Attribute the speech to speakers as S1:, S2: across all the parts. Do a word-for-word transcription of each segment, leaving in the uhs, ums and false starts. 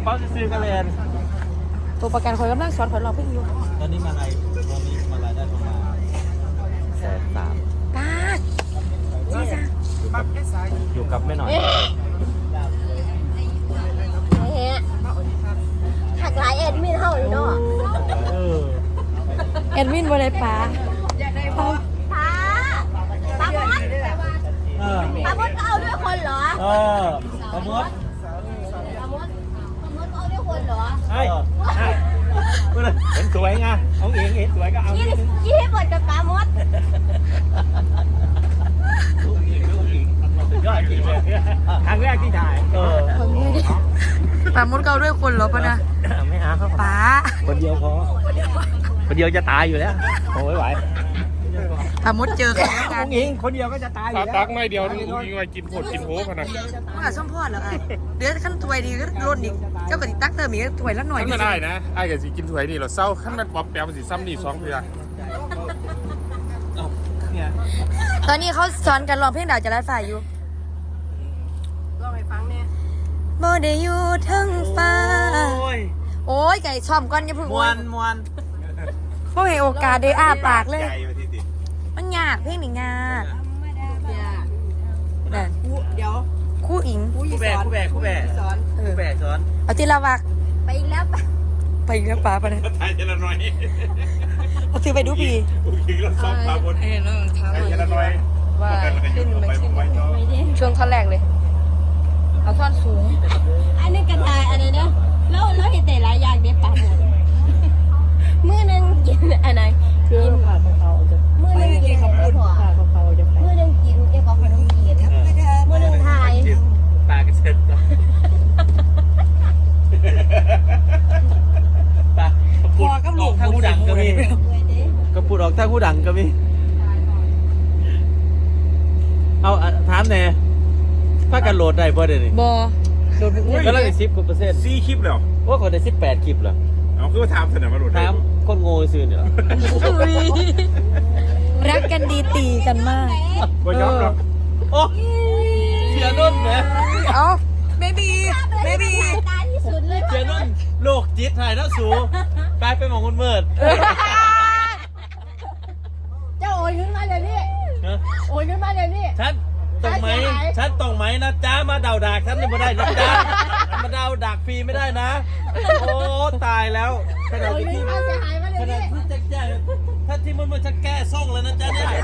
S1: เป๋าซื้อกันเลย
S2: ตัวประกันคอยกำลังสอนคอยรอเพิ่งอยู่
S1: ตอนนี้มาอะไรตอนนี้มาอะไรได้ประมาณแสนสาม
S2: ป้าจีจ้า
S1: อยู่กับแม่หน่อย
S3: หักหลายเอ็ดมินเท่าอยู่เนาะ
S2: แอดมินว่าไรป้า
S3: ป้าป้าป้ามดป้ามดก็เอาด้วยคนเหรอ
S1: เออป้ามด
S3: ป้ามดป้ามดก็เอาด้วยคนเหรอ
S1: ใช่เห็นสวยไงเอาเองเห็นสวยก็เอา
S3: ยี่ยี่ให้หมดกับป้ามด
S1: ยอดจริงเลยครั้งแรกที่ถ่ายเออ
S2: ป้ามดเกาด้วยคนเหรอปะนะ
S1: ไม่เอาครับ
S2: ป้า
S1: คนเดียวพอคนเดียวจะตายอยู่แล้วโอ้ยไหว
S2: ป้ามดเจอกัน
S1: กันเองคนเดียวก็จะตายอยู่แล้ว
S4: ตักไม่เดียวนี่ยิงไว้กินผดกินโหพนะ
S2: มันกับส้มพอดเหรอไอ้เดือดขั้นถวยดีก็ล้นอีกเจ้ากระติตักเติมอีกถวยละหน่อย
S4: ไม่ได้นะไอ้กับสิกินถวยนี่เราเศร้าขั้นมันป๊อปแปมสิซ้ำนี่สองเพื่อ
S2: ตอนนี้เขาสอนกันร้องเพลงดาวจะรัดฝ่ายอยู่ร้องให้ฟังเนี่ยโมเดยูทั้งฟ้าโอ้ยไก่ช่อมก้อนอย่าพึ่ง
S1: มวนมวน
S2: พวกให้โอกาสได้อ้าปากเลยมันยากเพลงนี่ยากเดี๋ยวคู่อิง
S1: คู่แบกคู่แบกคู่แบกสอนคู่แบกสอน
S2: เอาทีละวัก
S3: ไปอีกแล้ว
S2: ไปอีกแล้วป้าปะเนี่ย
S4: ไทยเจริญน้อย
S2: เอาถือไปดูปี
S4: ยิงแล้วซ้อมปาบนไทยเจริญน้อย
S2: ว่าขึ้นมาขึ้นช่วงท่อนแรกเลยเอาท่อนสูง
S3: อันนี้กระทายอันนี้เนี่ยแล้วแล้วเห็นแต่หลายอย่างเด็ดปากหมดมื้อนึงกินอะไรกินผัดกะเพรามื้อนึงกินข้าวปุ้นผัดกะเพราจะมื้อนึงกินเอ้ข้าวขนมจีนมื้อนึงทาย
S1: ปากกระเซ็นปากพอกับหลูกถ้าผู้ดังก็มีกระปุกออกถ้าผู้ดังก็มีเอาถามแน่ถ้ากันโหลดได้บ่ได้นี่
S2: บ่โหลด
S1: ก็เลยสิบกว่าเปอร์เซ็นต์
S4: สี่คลิปแล้ว
S1: ว่าคนได้สิบแปดคลิปเหรอ
S4: เอาคือว่าถามเสนอมาโหลด
S1: ถามคนโง่ซื่อเนี่ย
S2: รักกันดีตีกันมาก
S4: ก็ยอมหรอก
S1: โอ้เสียนุ่นเนี่ย
S2: เอ้าเบบีเบบี
S3: ตาที่สุดเลย
S1: เสียนุ่นโลกจิตถ่ายหน้าสูกลายเป็นหมองคนเมิด
S3: เจ้าโอนขึ้นมาเลยนี่โอนขึ้นมาเลยนี่
S1: ฉันตรงไหมฉันตรงไหมนะจ้ามาเดาดากฉันไม่ได้นะจ้ามาเดาดากฟรีไม่ได้นะโอ้ตายแล้วขนาดที่ขนาดที่จะแก้ถ้าที่มันมันจะแก้ซ่องแล้วนะจ๊ะเนี่ย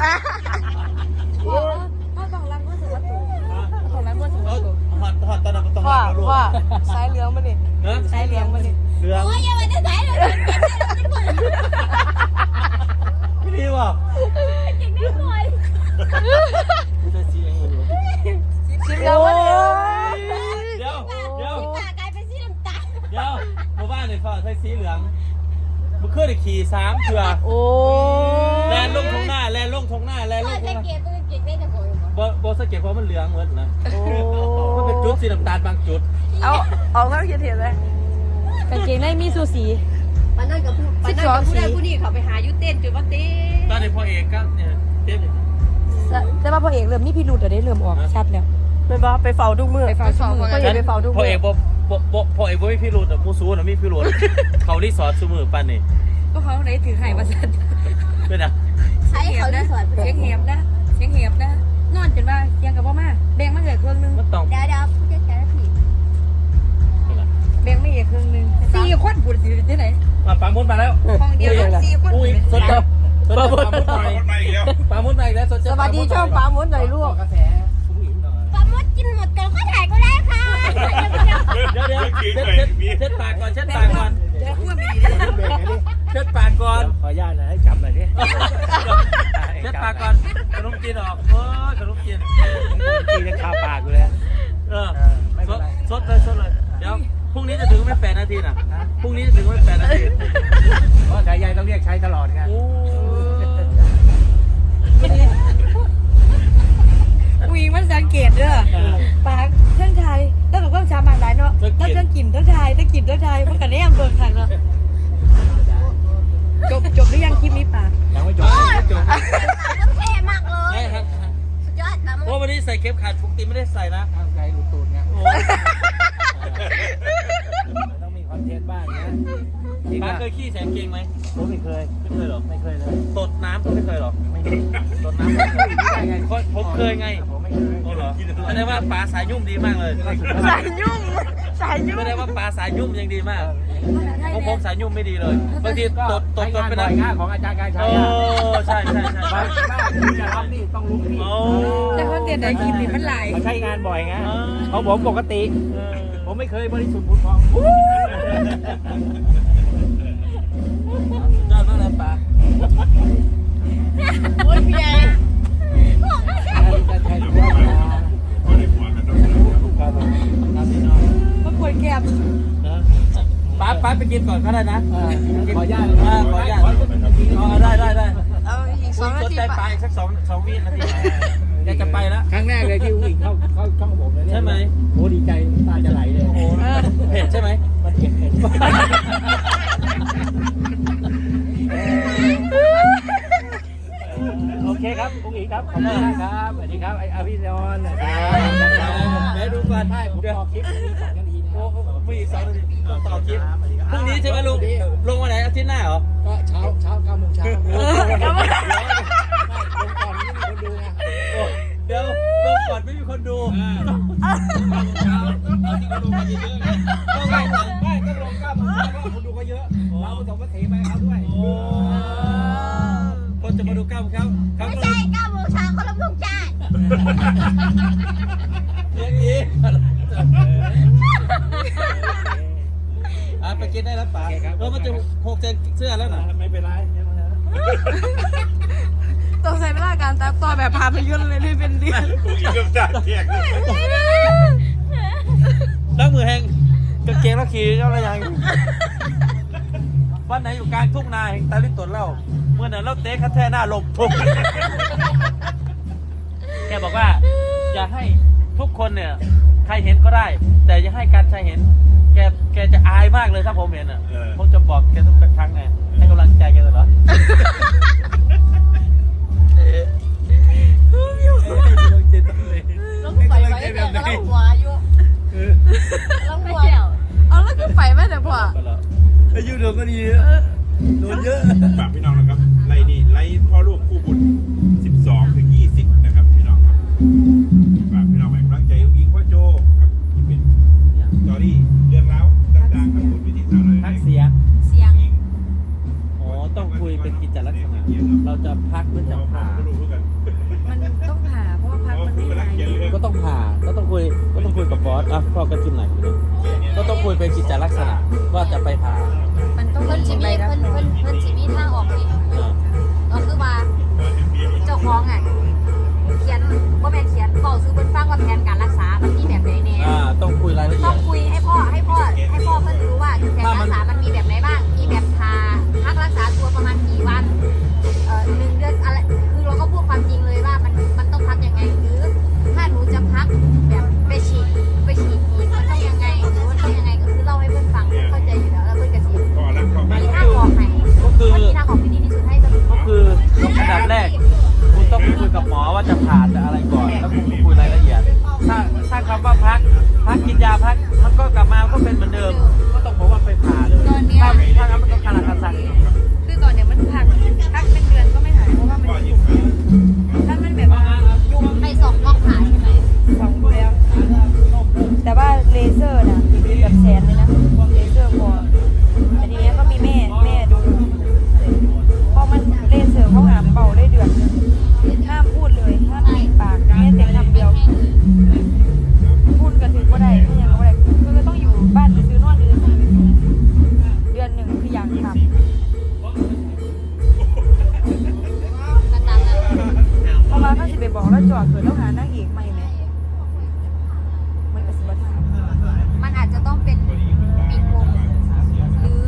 S2: พ่อต้องรังก็ถือว่าถูกต้องรังก็ถือว่าถูก
S1: หอดหอดตอนนั้นต้อง
S2: รังลูกว่าสายเหลืองมาดิสายเหลืองมาดิ
S1: เหลือง
S3: โอ้ยยังไม่ได้สายเลย
S1: ไม่ดีว่ะ
S3: เก่งได้หน่อย
S2: ชิมแล้ววะ
S1: เดี๋ยวเดี๋ยว
S3: ตากลายเป็นสีน้ำตาล
S1: เดี๋ยวหมู่บ้านเนี่ยเขาใช้สีเหลืองมันเคยได้ขี่สามเถื่อ
S2: โอ้
S1: แลนลงทงหน้าแลนลงทงหน้าแลนลงทงหน้า
S3: เก็บเก็บได้แต่ผม
S1: โบโบสเก็ตเพราะมันเหลืองเหมือนนะมันเป็นจุดสีน้ำตาลบางจุด
S2: เอาเอาเข้าเขียนเห็นเลยกางเกงในมีสูสี
S3: มันนั่นกับผู้มันนั่นกับผู้ใดผู้นี้เขาไปหายุเต้นจุดว่าเต้
S1: ตอนนี้พ่อเอกก็เนี่ยเต้น
S2: แต่ว่าพ่อเอกเริ่มนี่พี่รุดได้เริ่มออกชัดแล้วเป็นว่าไปเฝ้าทุกมือไปเฝ้าทุกมือพ่อเอกไปเฝ้าทุกมือ
S1: พ่อเอกบ่บ่พ่อเอกบ่มีพี่รุดมูซูน่ะมีพี่รุดเขารีสอร์ทซุมือปันนี่
S2: ก็เขาไหนถือไข่มาสั่น
S1: เป็นอ่ะ
S3: ใช้เขารีสอร์ท
S2: เสียงเหียบนะเสียงเหียบนะนอนจนว่าเสียงกับพ่อมาแบ่งมาเหลือครึ่งนึง
S1: มันต้อง
S3: เดี๋ยวเดี๋ยวผู้จัดการผิด
S2: แบ่งไม่เหลือครึ่งนึงสี่คนพูดสิที่ไหน
S1: มาปามุดมาแล้ว
S2: ห้องเดียวสี่คน
S1: อุ้ยสดจับปามุดมาอีกแล้วปามุดมาอีกแล้วสดจับ
S2: สวัสดีช่องปามุดหน่อยลูก
S1: กระแส
S3: ปามดกินหมดก่อนก็ถ่ายก็ได้ค่ะ
S1: เดี๋ยวเดี๋ยวเช็ดปากก่อนเช็ดปากก่อนเช็ดปากก่อนขออนุญาตนะให้จับหน่อยดิเช็ดปากก่อนขนมจีนออกเออขนมจีนจีนยังคาปากอยู่เลยเออสดเลยสดเลยเดี๋ยวพรุ่งนี้จะถึงไม่แปดนาทีนะพรุ่งนี้จะถึงไม่แปดนาทีเพราะสายใยต้องเรียกใช้ตลอดไง
S2: อุ้ยมันสังเกตเด้อปากเท่านไทยแล้วกับความสามารถหลายเนาะแล้วเท่านกลิ่นเท่านไทยเท่านกลิ่นเท่านไทยมันกันได้ยังเบิ่งทันเนาะจบจบหรือยังคลิปนี้ปาก
S1: ยังไม่จบไม่จบ
S3: เท่มากเลยสุดยอดนะ
S1: เพราะวันนี้ใส่เข็มขัดปกติไม่ได้ใส่นะใส่ลูกตูดไงป้าเคยขี้แสงเกงไหม
S5: ผมไม่เคย
S1: ไม่เคยหรอ
S5: ไม่เคยเลย
S1: ตดน้ำก็ไม่เคยหรอ
S5: ไม่เคย
S1: ตดน้ำไม่เคยได้ไงผมเคยไง
S5: ผมไม่เคย
S1: โอ้เหรอแสดงว่าปลาสายยุ่มดีมากเลย
S2: สายยุ่งสายยุ่ง
S1: ไม่ได้ว่าปลาสายยุ่มยังดีมากผมผมสายยุ่มไม่ดีเลยบางทีตดตด
S5: ใช้
S1: ตด
S5: งาน
S1: ไป
S5: บ่
S1: นะ
S5: อยงานของอาจารย์การชั
S1: โอ้
S5: ยอ่ะ
S1: ใช่ใช่ใช่
S5: บางบ้านที่จะรับนี่ต้องรู้ที่
S1: โอ้
S2: แต่เขาเตียนได้คลิปนี้มันหลาย
S5: เขาใช้งานบ่อยไงเขาผมปกติ ผมไม่เคยบริสุทธิ์ผุดพอง
S1: ยอดมากเลยปลา
S3: โอ้ยพี่ใหญ่
S2: มาปวดแก้ม
S1: ป้าป้าไปกินก่อนก็ได้นะ
S5: ขออนุญาต
S1: ขออนุญาตอ๋อได้ได้ได้
S2: เอาอีกส
S1: คุ
S2: อง
S1: ณ
S2: นา
S1: สน
S2: ที
S1: ใจไป
S2: ปะ
S1: อีกสักสองสองวินาทีอยากจะไปแล้ว
S5: ครั้งแรกเลยที่อุ้งอิงเข้าเข้าช่องผมเลยเนี่ย
S1: ใช่ไหม
S5: โอ้ดีใจตาจะไหลเลย
S1: โอ้โหเผ็ดใช่ไหม
S5: มันเผ็ดเผ็ดโอเคครับอุ้งอิงครับขอบคุณครับสวัสดีครับไอ้อภิรอนนะครั
S1: เดี๋ยวดูก่อน
S5: ใช่ผม
S1: เดี๋ยว
S5: ต่อคลิปมีสองนาทีนะ
S1: โอ้มีอีกสองนาทีต้องต่อคลิปพรุ่งนี้ใช่ไหมลุงลงวันไหนอาทิตย์หน้าเหรอ
S5: ก็เช้าเช้าเก้าโมงเช้าลงก่อนไม่มีคนดูไง
S1: เดี๋ยวลงก่อนไม่มีคนดู
S5: เช้าเอาที่เขาลงมาเยอะๆไงต้องไม่ไม่ต้องลงเก้าโมงเช้าเพราะคนดูก็เยอะเราผสมก็เทไปเขาด้วย
S1: โอ้คนจะมาดูกล้ามเขาเขา
S3: ไม่
S1: ก็
S3: ใช่เก้าโมงเช้าเขาลงทุกจาน
S1: เลี้ยงอีกอ่ะไปกินได้แล้วป๋าเออมันจะหกเสื้อแล้วนะ
S5: ไม่เป็นไร
S2: ต้องใช้เวลาการตัดต่อแบบพาพยนตร์เลยนี่เป็นเดือน
S4: กูกินกับจ่าแขก
S1: ล้างมือแห้งกางเกงแล้วขี่เจ้าอะไรยังวันไหนอยู่กลางทุ่งนาแห่งตาลิตตนเล่าเมื่อนั้นเราเตะคัดแท่หน้าลมทุกแกบอกว่าอย่าให้ทุกคนเนี่ยใครเห็นก็ได้ แต่อย่าให้การชายเห็น แกแกจะอายมากเลยถ้าผมเห็นอ่ะผมจะบอกแกทุกครั้งไงให้กำลังใจแกตลอด
S3: ลงไปไว้แต่ก็ลงหัวอยู่ลงหัว
S2: เอาแล้วก็ไปไหมเดี๋ยวพ่อ
S1: อายุโดนก็ดีโดนเยอะ
S4: ฝากพี่น้องนะครับไล่นี่ไล่พ่อลูกคู่บุญสิบสองถึงยี่สิบนะครับพี่น้องครับฝากพี่น้องให้กำลังใจอุ้งอิงพ่อโจครับที่เป็นสตอรี่เรื่องราวต่างๆครับบนวิธีสาวเลย
S5: ทักเสีย
S3: เสียง
S1: อ๋อต้องคุยเป็นกิจลักษณะเราจะพักหรือจะผ่า
S4: ไม่รู้กัน
S2: มันต้องผ่าเพราะว่าพักมันไม่หาย
S1: ก็ต้องผ่าก็ต้องคุยก็ต้องคุยกับบอสอ่ะพ่อกระจิ้มหน่อยก็ต้องคุยเป็นกิจลักษณะว่าจะไปผ่า
S2: มันต้อง
S3: เพิ่น
S2: จ
S3: สิ
S2: ริง
S3: มี
S2: เลยนะ
S3: เพิ่นเพิ่นเพิ่นสิมีทางออกนี่ก็คือว่าเจ้าของอ่ะเขียนว่าแม่นเขียนบอกซื้อเพิ่นฟังว่าแผนการรักษามันมีแบบไหนแน่
S1: อ่าต้องคุยรายละเอี
S3: ต้
S1: ย
S3: อง
S1: ด
S3: คุยให้พ่อให้พ่อให้พ่อเพิ่นรู้ว่าแผนรักษามันมีแบบไหนบ้างมีแบบทาพักรักษาตัวประมาณกี่วันเอ่อหนึ่งเดือนอะไรคือเราก็พูดความจริงเลยว่ามันมันต้องพักยังไงหรือถ้าหนูจะพักแบบไปฉีดไปฉีดอีกมันต้องยังไงหรือว่าต้องยังไงก็คือเล่าให้เพื่อนฟังเข้าใจอยู่แล้วแล้วเพื่อนก็สิ
S4: ก็รักก็
S3: มี
S4: ไม่
S3: ทางออกไหน
S1: ก็คือ
S3: มันมีทางออกที่ดีที่สุดให้กับ
S1: ก็คืออันดับแรกคุณต้องคุยกับหมอว่าจะผ่าจะอะไรก่อนแล้วคุณคุยรายละเอียดถ้าถ้าคำว่าพักพักกินยาพักมันก็กลับมาก็เป็นเหมือนเดิมก็ต้องบอกว่าไปผ่าเลยถ้าถ้างั้นมันก็คาราคาซัง
S2: คือตอนเนี้ยมันพักพักเป็นเดือนก็ไม่หายเพราะว่ามันยุ่งถ้ามันแบบว่ายุ่ง
S3: ไปส่องกล้องหาใช่ไหม
S2: สองดูแล้ว แต่ว่าเลเซอร์น่ะแบบแสนเลยนะเลเซอร์พอแต่ทีเนี้ยก็มีแม่แม่ดูพอมันเลเซอร์เขาหามเป่าได้เดือนนึงห้ามพูดเลยห้ามปิดปากแม่แต่คำเดียวพูดกันถึงก็ได้ไม่ยังก็ได้คือต้องอยู่บ้านซื้อนอนซื้อเดือนหนึ่งคืออย่างทำ
S3: กระตันนะ
S2: เพราะว่าเขาสิไปบอกแล้วจอดเกิดแล้วหานางเอกใหม่ไหมมันก็สิบทาง
S3: มันอาจจะต้องเป็นปิดวงหรือ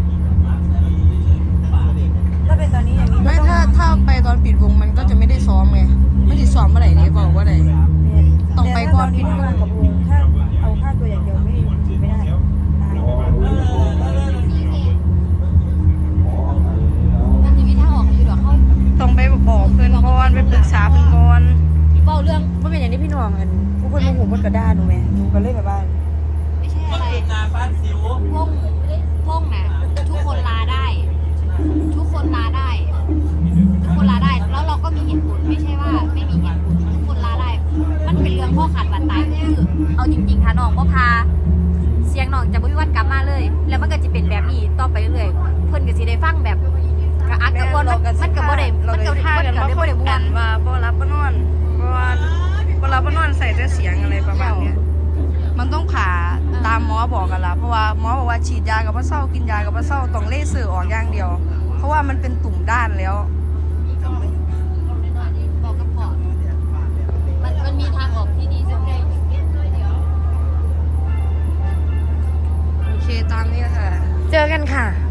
S2: ถ้าเป็นตอนนี้อย่างนี้
S6: ไม่ถ้าถ้าไปตอนปิดวงมันก็จะไม่ได้ซ้อมไงไม่ได้ซ้อมเมื่อไหร่เนี่ยบอกว่าไหน ต้องไปก่อน
S2: ปิดวงกับวงถ้าเอาค่าตัวอย่างเดียวไม่ไม่ได้
S3: มันจะมีทางออกอยู่หรอเขา
S6: ต้องไปบอกเพื่อนก่อนไปปรึกษาเพื่อนก่อน
S3: เบาเรื่อง
S2: เมื่อเป็นอย่างนี้พี่น้องกันผู้คนโมโหคนกระด้าหนูไหมหนูก็เลยแบบว่า
S3: ไม่ใช่อะไร
S1: นาบ้านสิว
S3: พงพงนะทุกคนคนลาได้ ทุกคนลาได้ทุกคนลาได้แล้วเราก็มีเหตุผลไม่ใช่ว่าไม่มีเหตุผลทุกคนลาได้มันเป็นเรื่องข้อขาดบาดตายคือเอาจริงๆค่ะน้องก็พาเสียงน้องจะบ่มีวันกลับมาเลย แล้วมันก็จะเป็นแบบนี้ต่อไปเรื่อยๆเพิ่นก็สิได้ฟังแบบกระอักกระอ่วนมันก็บ่ได้มันก็บ่ได้บ่ได้ม่วน
S6: ว่าบ่รับบ่นอนเพราะว่าบ่รับบ่นอนใส่แต่เสียงอะไรประมาณเนี้ยมันต้องผ่าตามหมอบอกกันละเพราะว่าหมอบอกว่าฉีดยากับว่าเศร้ากินยากับว่าเศร้าต้องเลเซอร์ออกอย่างเดียว เพราะว่ามันเป็นตุ่มด้านแล้ว
S3: บอกกับพ่อมันมันมีทางออกที่ดีสุด
S6: โอเคตามนี้ค่ะ
S2: เจอกันค่ะ